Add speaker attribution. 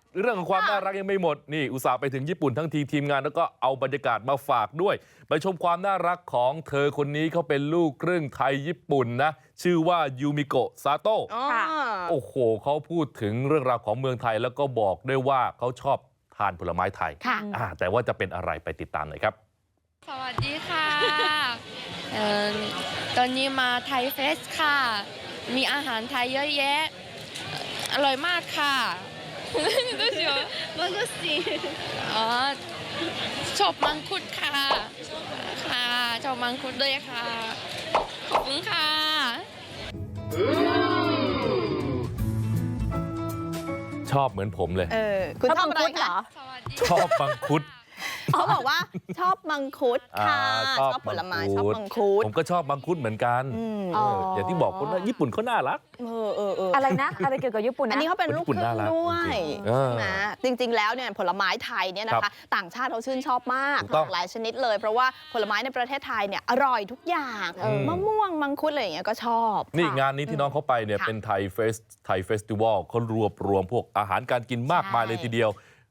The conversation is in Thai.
Speaker 1: เรื่องของความน่ารักยังไม่หมดนี่อุตส่าห์ไปถึงญี่ปุ่นทั้งทีมงานแล้วก็เอาบรรยากาศมาฝากด้วยไปชมความน่ารักของเธอคนนี้เขาเป็นลูกครึ่งไทยญี่ปุ่นนะชื่อว่ายูมิโกะซาโตะโอ้โหเขาพูดถึงเรื่องราวของเมืองไทยแล้วก็บอกด้วยว่าเขาชอบทานผลไม้ไทยแต่ว่าจะเป็นอะไรไปติดตามหน่อยครับ
Speaker 2: สวัสดีค่ะตอนนี้มาไทยเฟสค่ะมีอาหารไทยเยอะแยะอร่อยมากค่ะどうしようマンゴスティอ๋อชอบมังคุดค่ะค่ะชอบมังคุดด้วยค่ะขอบคุณค่ะ
Speaker 1: ชอบเหมือนผมเลย
Speaker 3: คุณชอบอะไรคะ
Speaker 1: ชอบมังคุด
Speaker 3: เขาบอกว่าชอบมังคุดค่ะชอบผลไม้ชอบมังคุด
Speaker 1: ผมก็ชอบมังคุดเหมือนกันอย่างที่บอกคนว่าญี่ปุ่นเขาน่ารัก
Speaker 4: อะไรนะอะไรเกี่ยวกับญี่ปุ่นนะ
Speaker 3: อันนี้เขาเป็นลูกครึ่งด้วยใช่ไหมจริงๆแล้วเนี่ยผลไม้ไทยเนี่ยนะคะต่างชาติเขาชื่นชอบมากหลากหลายชนิดเลยเพราะว่าผลไม้ในประเทศไทยเนี่ยอร่อยทุกอย่างมะม่วงมังคุดอะไรอย่างเงี้ยก็ชอบ
Speaker 1: นี่งานนี้ที่น้องเขาไปเนี่ยเป็นไทยเฟสติวัลเขารวมพวกอาหารการกินมากมายเลยทีเดียว